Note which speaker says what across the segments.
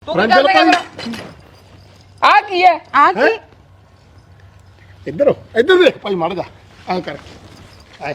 Speaker 1: ਤੂੰ ਕੀ ਕਰਦਾ ਆ ਕੀ ਹੈ
Speaker 2: ਆ ਕੀ
Speaker 3: ਇੱਧਰ ਦੇਖ ਭਾਈ ਮੜ ਜਾ ਆ ਕਰ ਆਏ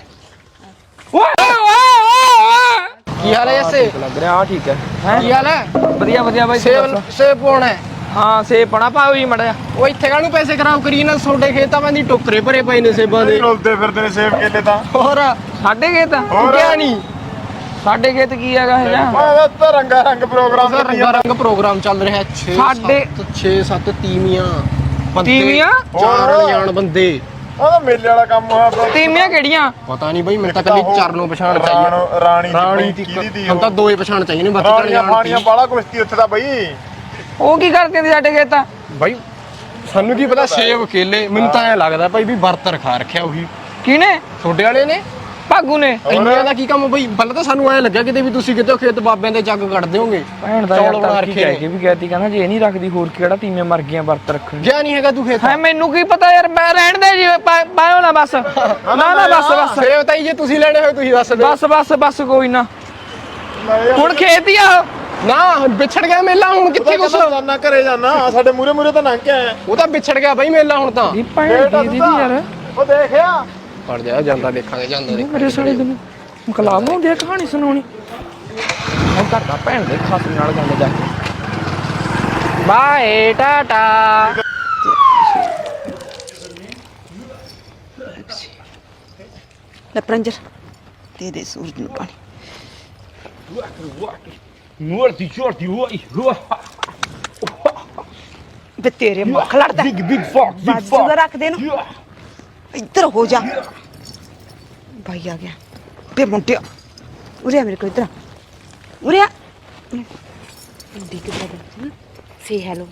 Speaker 1: ਕੀ ਹਾਲ ਹੈ ਜੱਸੇ
Speaker 4: ਲੱਗ ਰਿਹਾ ਠੀਕ ਹੈ
Speaker 1: ਕੀ ਹਾਲ ਹੈ
Speaker 4: ਵਧੀਆ ਵਧੀਆ ਬਾਈ
Speaker 1: ਸੇਬ ਪਾਉਣਾ ਹੈ
Speaker 4: ਹਾਂ ਸੇਬ ਪਾਣਾ ਪਾਓ ਹੀ ਮੜਿਆ
Speaker 1: ਉਹ ਇੱਥੇ ਕਾਹਨੂੰ ਪੈਸੇ ਖਰਾਬ ਕਰੀ ਨਾ ਤੁਹਾਡੇ ਖੇਤਾਂ ਦੀ ਟੋਕਰੇ ਭਰੇ ਪਏ ਨੇ ਸੇਬਾਂ ਦੇ
Speaker 3: ਰੋਲਦੇ ਫਿਰਦੇ ਨੇ ਸੇਬ ਕੇਲੇ ਤਾਂ
Speaker 1: ਹੋਰ
Speaker 4: ਸਾਡੇ ਖੇਤ
Speaker 1: ਗਿਆ ਨਹੀਂ
Speaker 4: ਸਾਡੇ ਖੇਤ ਕੀ ਹੈਗਾ ਇਹ ਜਾਂ
Speaker 3: ਓਏ ਤਾਂ ਰੰਗਾ ਰੰਗ ਪ੍ਰੋਗਰਾਮ
Speaker 1: ਰੰਗਾ ਰੰਗ ਪ੍ਰੋਗਰਾਮ ਚੱਲ ਰਿਹਾ 6-7 ਤੀਵੀਆਂ
Speaker 4: ਤੀਵੀਆਂ?
Speaker 1: ਜਾਣ ਬੰਦੇ
Speaker 3: ਉਹ ਤਾਂ ਮੇਲੇ ਵਾਲਾ ਕੰਮ ਹੋਇਆ ਪਿਆ।
Speaker 4: ਤੀਵੀਆਂ ਕਿਹੜੀਆਂ
Speaker 1: ਪਤਾ ਨਹੀਂ ਬਈ ਮੈਨੂੰ ਤਾਂ ਕੱਲੀ ਚਰਨੋਂ ਪਛਾਣ ਚਾਹੀਏ
Speaker 3: ਰਾਣੀ
Speaker 1: ਦੀ
Speaker 3: ਕਿਹਦੀ ਦੀ
Speaker 1: ਹੁਣ ਤਾਂ ਦੋ ਹੀ ਪਛਾਣ ਚਾਹੀਏ ਨੇ ਬਾਕੀ
Speaker 3: ਰਾਣੀਆਂ ਫਾਣੀਆਂ ਬਾਲਾ ਕੁਸ਼ਤੀ ਉੱਥੇ ਦਾ ਬਈ
Speaker 4: ਉਹ ਕੀ ਕਰਦੀਆਂ ਨੇ ਸਾਡੇ ਖੇਤ
Speaker 1: ਬਈ ਸਾਨੂੰ ਕੀ ਪਤਾ ਸੇਬ ਕੇਲੇ ਮੈਨੂੰ ਤਾਂ ਐ ਲੱਗਦਾ ਭਾਈ ਵੀ ਵਰਤ ਰਖਾ ਰੱਖਿਆ ਉਹੀ
Speaker 4: ਕਿਹਨੇ
Speaker 1: ਛੋਡੇ ਵਾਲੇ ਨੇ
Speaker 4: ਭਾਗੂ ਨੇ
Speaker 1: ਇੰਨਿਆਂ ਦਾ ਕੀ ਕੰਮ ਬਈ ਪਹਿਲਾਂ ਤਾਂ ਸਾਨੂੰ ਐ ਲੱਗਿਆ ਕਿਤੇ ਵੀ ਤੁਸੀਂ ਕਿਤੇ ਖੇਤ ਬਾਬਿਆਂ ਦੇ ਜੱਗ ਕੱਢਦੇ ਹੋਗੇ
Speaker 4: ਭੈਣ ਦਾ
Speaker 1: ਚੌਲ
Speaker 4: ਯਾਰ
Speaker 1: ਬਣਾ
Speaker 4: ਤਾਂ
Speaker 1: ਰੱਖੇ
Speaker 4: ਕੀ ਕਹਿ ਕੇ ਵੀ ਕਹਿਤੀ ਕਹਿੰਦਾ ਜੇ ਇਹ ਨਹੀਂ ਰੱਖਦੀ ਹੋਰ ਕਿਹੜਾ ਤੀਵੀਆਂ ਮਰ ਗਈਆਂ ਵਰਤ ਰੱਖਣ
Speaker 1: ਗਿਆ ਨਹੀਂ ਹੈਗਾ ਤੂੰ ਖੇਤ
Speaker 4: ਹੈ ਮੈਨੂੰ ਕੀ ਪਤਾ ਯਾਰ ਮੈਂ ਰਹਿਣ ਦੇ ਜੀ ਪਾਇਓ ਨਾ ਬਸ ਨਾ ਬਸ
Speaker 1: ਸੇਬ ਤਾਂ ਜੇ ਤੁਸੀਂ ਲੈਣੇ ਹੋਏ ਤੁਸੀਂ ਦੱਸ ਦਿਓ
Speaker 4: ਬਸ ਕੋਈ ਨਾ ਹੁਣ ਖੇਤ ਹੀ ਆ
Speaker 1: ਨਾ ਵਿਛੜ ਗਿਆ ਮੇਲਾ ਹੁਣ ਕਿੱਥੇ ਕੁਛ
Speaker 3: ਜਾਨਾ ਘਰੇ ਜਾਨਾ ਸਾਡੇ ਮੂਰੇ ਤਾਂ ਲੰਘ ਕੇ ਆਇਆ
Speaker 1: ਉਹ ਤਾਂ ਵਿਛੜ ਗਿਆ ਬਈ ਮੇਲਾ ਹੁਣ ਤਾਂ
Speaker 4: ਦੀ ਭੈਣ ਦੀ ਯਾਰ
Speaker 3: ਉਹ ਦੇਖਿਆ
Speaker 1: ਪੜ ਜਾ ਜਾਂਦਾ ਦੇਖਾਂਗੇ ਜਾਂਦਾ
Speaker 4: ਮੇਰੇ ਸਾਲੇ ਦਿਨ ਮਕਲਾਮ ਨੂੰ ਦੇ ਕਹਾਣੀ ਸੁਣਾਉਣੀ ਉਹ ਕਰਦਾ ਭੈਣ ਦੇ ਖਾਸ ਨਾਲ ਗੱਲ ਜਾ ਕੇ ਬਾਏ ਟਾਟਾ
Speaker 2: ਲੈ ਪ੍ਰੰਜਰ ਦੇ ਦੇ ਸੂਰਜ ਨੂੰ ਪਾਣੀ
Speaker 4: ਮੂਰਤੀ ਛੋਟੀ ਹੋਈ
Speaker 2: ਬੇ ਤੇਰੇ ਮੁੱਖ ਲੜਦਾ
Speaker 4: ਬਿਗ ਫੌਕ
Speaker 2: ਬਾਜੂ ਦਾ ਰੱਖ ਦੇ ਨੂੰ ਇੱਧਰ ਹੋ ਜਾ ਭਾਈ ਆ ਗਿਆ ਬੇ ਮੁੰਡਿਆ ਉਰੇ ਆ ਮੇਰੇ ਕੋਲ ਇੱਧਰ ਆ। ਉਰੇ ਆ ਹਿੰਦੀ ਕਿੱਦਾਂ ਬੋਲਦੀ ਸੇ ਹੈਲੋ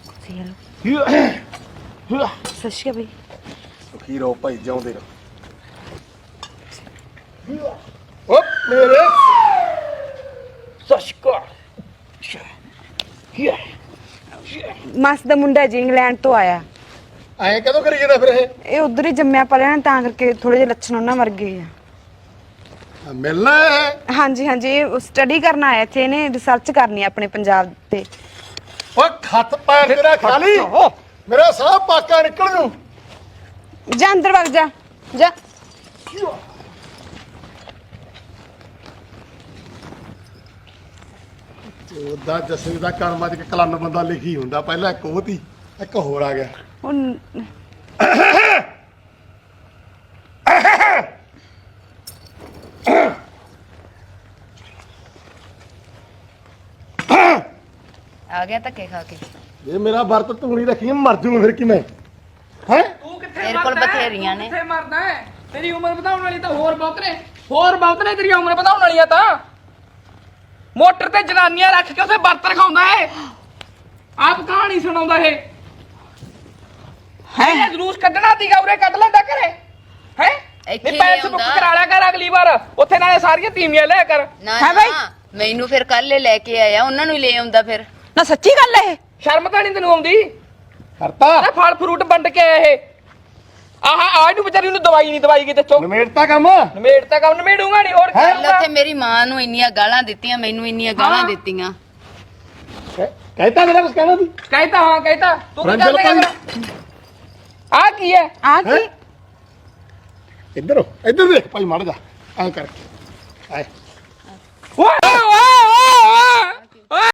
Speaker 2: ਸਤਿ ਸ਼੍ਰੀ ਅਕਾਲ ਬਈ
Speaker 3: ਖੀਰੋ ਭਾਈ ਜਿਉਂਦੇ ਰਹੋ
Speaker 1: ਓ ਮੇਰੇ
Speaker 4: ਸਸ਼ਕਾ
Speaker 2: ਮਾਸ ਦਾ ਮੁੰਡਾ ਜੀ ਇੰਗਲੈਂਡ ਤੋਂ ਆਇਆ
Speaker 3: ਐਂ ਕਦੋਂ ਕਰੀ ਜਾਂਦਾ ਫਿਰ
Speaker 2: ਇਹ ਉਧਰ ਹੀ ਜੰਮਿਆ ਪਲਿਆ ਨਾ ਤਾਂ ਕਰਕੇ ਥੋੜੇ ਜਿਹੇ ਲੱਛਣ ਉਹਨਾਂ ਵਰਗੇ ਆ
Speaker 3: ਇਹ ਮਿਲਣਾ ਹੈ
Speaker 2: ਹਾਂਜੀ ਇਹ ਸਟੱਡੀ ਕਰਨ ਆਇਆ ਇੱਥੇ ਇਹਨੇ ਰਿਸਰਚ ਕਰਨੀ ਆ ਆਪਣੇ ਪੰਜਾਬ ਤੇ
Speaker 3: ਓ ਖੱਤ ਪੈਰ ਤੇਰਾ ਖਾਲੀ ਮੇਰਾ ਸਾਹ ਪਾਕਾ ਨਿਕਲ ਜੂ
Speaker 2: ਜਾ ਅੰਦਰ ਵਗ ਜਾ ਜਾ
Speaker 3: ਉਹਦਾ ਜਸੇ ਦਾ ਕਰਮਾਂ ਚ ਕਲਨ ਬੰਦਾ ਲਿਖੀ ਹੁੰਦਾ ਪਹਿਲਾਂ ਇੱਕ ਉਹ ਤੀ ਇੱਕ ਹੋਰ ਆ ਗਿਆ
Speaker 2: ਹੁਣ
Speaker 5: ਆ ਗਿਆ ਧੱਕੇ ਖਾ ਕੇ
Speaker 3: ਇਹ ਮੇਰਾ ਵਰਤ ਤੂੜੀ ਰੱਖੀ ਮਰ ਜੂ ਫਿਰ ਕਿਵੇਂ ਹੈ
Speaker 4: ਤੂੰ ਕਿੱਥੇ
Speaker 5: ਤੇਰੇ ਕੋਲ ਬਥੇਰੀਆਂ ਨੇ
Speaker 4: ਕਿੱਥੇ ਮਰਦਾ ਹੈ ਤੇਰੀ ਉਮਰ ਵਧਾਉਣ ਵਾਲੀ ਤਾਂ ਹੋਰ ਬਹੁਤ ਨੇ ਤੇਰੀ ਉਮਰ ਵਧਾਉਣ ਵਾਲੀਆਂ ਤਾਂ ਮੋਟਰ ਤੇ ਜਨਾਨੀਆਂ ਰੱਖ ਕੇ ਉਸੇ ਵਰਤ ਰਖਾਉਂਦਾ ਹੈ ਆਪ ਕਹਾਣੀ ਸੁਣਾਉਂਦਾ ਇਹ ਹੈ ਜਲੂਸ ਕੱਢਣਾ ਸੀਗਾ ਉਰੇ ਕੱਢ ਲੈਂਦਾ ਘਰੇ ਹੈ
Speaker 5: ਇੱਥੇ
Speaker 4: ਨਹੀਂ ਪੈਸੇ ਬੁੱਕ
Speaker 5: ਲਿਆਉਂਦਾ।
Speaker 4: ਕਰਾ ਲਿਆ ਕਰ ਅਗਲੀ ਵਾਰ ਉੱਥੇ ਨਾਲੇ ਸਾਰੀਆਂ ਤੀਵੀਆਂ ਲਿਆ ਕਰ
Speaker 5: ਨਾ
Speaker 2: ਹੈ ਬਾਈ?
Speaker 5: ਨਾ ਮੈਨੂੰ ਫਿਰ ਕੱਲ ਲੈ ਕੇ ਆਇਆ ਉਹਨਾਂ ਨੂੰ ਹੀ ਲੈ ਆਉਂਦਾ ਫਿਰ
Speaker 2: ਨਾ ਸੱਚੀ ਗੱਲ ਹੈ ਇਹ
Speaker 4: ਸ਼ਰਮ ਤਾਂ ਨਹੀਂ ਤੈਨੂੰ ਆਉਂਦੀ
Speaker 3: ਕਰਤਾ
Speaker 4: ਆ ਫਲ ਫਰੂਟ ਵੰਡ ਕੇ ਆਇਆ ਇਹ ਆਹ ਨੂੰ ਵਿਚਾਰੀ ਨੂੰ ਦਵਾਈ ਨਹੀਂ ਦਵਾਈ ਕਿਤੇ ਚੋ
Speaker 3: ਨਮੇੜਤਾ ਕੰਮ
Speaker 4: ਨਮੇੜ ਤਾਂ ਕੰਮ ਨਮੇੜੂਗਾ ਨਹੀਂ ਹੋਰ ਕੀ
Speaker 5: ਕੱਲ
Speaker 4: ਕਰੂੰਗਾ?
Speaker 5: ਉੱਥੇ ਮੇਰੀ ਮਾਂ ਨੂੰ ਇੰਨੀਆਂ ਗਾਲਾਂ ਦਿੱਤੀਆਂ ਮੈਨੂੰ ਇੰਨੀਆਂ ਗਾਲਾਂ
Speaker 4: ਹਾਂ।
Speaker 5: ਦਿੱਤੀਆਂ
Speaker 3: ਕਹਿਤਾ ਮੇਰਾ ਕੁਝ ਕਹਿਣਾ ਸੀ
Speaker 4: ਕਹਿਤਾ ਤੂੰ ਕੀ
Speaker 3: ਰੰਜਲ
Speaker 4: ਕਰੇਗਾ ਆ ਕੀ ਹੈ
Speaker 2: ਆ ਕੀ
Speaker 3: ਇੱਧਰ ਦੇਖ ਭਾਈ ਮੜ ਜਾ ਐ ਕਰ ਆਏ